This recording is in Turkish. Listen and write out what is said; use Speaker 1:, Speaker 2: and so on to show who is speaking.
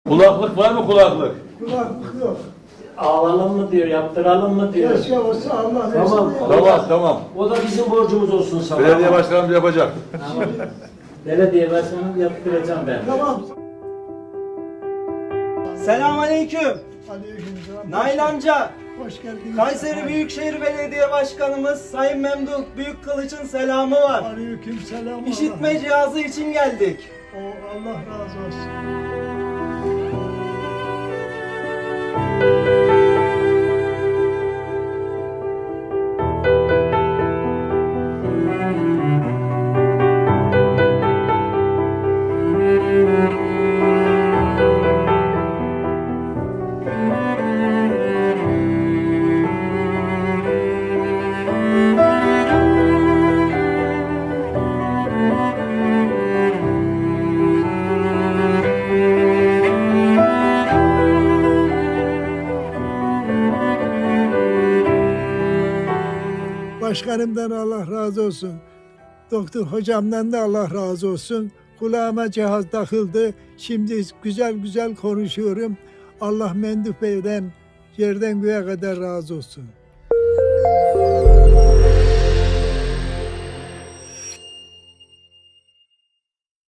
Speaker 1: Kulaklık var mı kulaklık?
Speaker 2: Kulaklık yok.
Speaker 3: Alalım mı diyor, yaptıralım mı diyor.
Speaker 2: Keşke olsa Allah versin.
Speaker 3: Tamam.
Speaker 1: Tamam.
Speaker 3: O da bizim borcumuz olsun sana.
Speaker 1: Belediye başkanımız yapacak.
Speaker 3: Tamam. Belediye başkanım yaptıracağım ben.
Speaker 2: Tamam.
Speaker 4: Selamünaleyküm.
Speaker 2: Aleykümselam.
Speaker 4: Nail amca,
Speaker 2: Hoş geldiniz.
Speaker 4: Kayseri Büyükşehir Belediye Başkanımız Sayın Memduh Büyükkılıç'ın selamı var.
Speaker 2: Aleykümselam.
Speaker 4: İşitme cihazı için geldik.
Speaker 2: Allah razı olsun. Başkanımdan Allah razı olsun. Doktor hocamdan da Allah razı olsun. Kulağıma cihaz takıldı. Şimdi güzel güzel konuşuyorum. Allah Memduh Bey'den yerden göğe kadar razı olsun.